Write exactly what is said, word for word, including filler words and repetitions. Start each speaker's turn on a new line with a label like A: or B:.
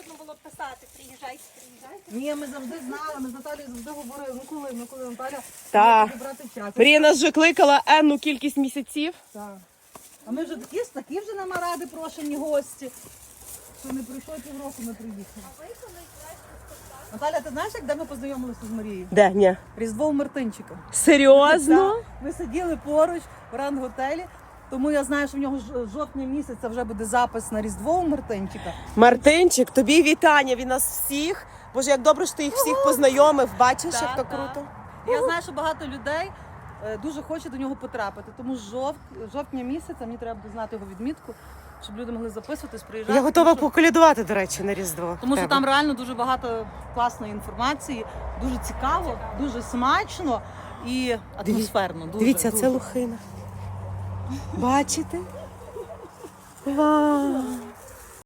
A: можна було писати, приїжджайте, приїжджайте.
B: Ні, ми завжди знали, ми з Наталією завжди говорили, ну коли, ну коли Наталя
C: Так.
B: буде брати час.
C: Марія нас вже кликала енну кількість місяців.
B: Так. А ми вже такі, такі вже на маради прошені гості. Що не прийшло півроку, ми приїхали.
A: А ви коли знаєте,
B: Наталя, ти знаєш, як де ми познайомилися з Марією?
C: Де? Ні.
B: Різдво у Мартинчика.
C: Серйозно?
B: Так. Ми сиділи поруч в ран-готелі, тому я знаю, що в нього ж- жовтня місяця вже буде запис на Різдво у Мартинчика.
C: Мартинчик, тобі вітання від нас всіх. Боже, як добре, що ти їх всіх познайомив. Бачиш,
B: Так,
C: як то
B: так.
C: круто.
B: Я знаю, що багато людей е, дуже хоче до нього потрапити, тому з жов... жовтня місяця мені треба буде знати його відмітку, щоб люди могли записуватись, приїжджати.
C: Я готова
B: тому що,
C: поколядувати, до речі, на Різдво.
B: тому що
C: Тебе.
B: там реально дуже багато класної інформації, дуже цікаво, дуже смачно і атмосферно. Дуже,
C: Дивіться,
B: дуже.
C: це лохина. Бачите? Вау!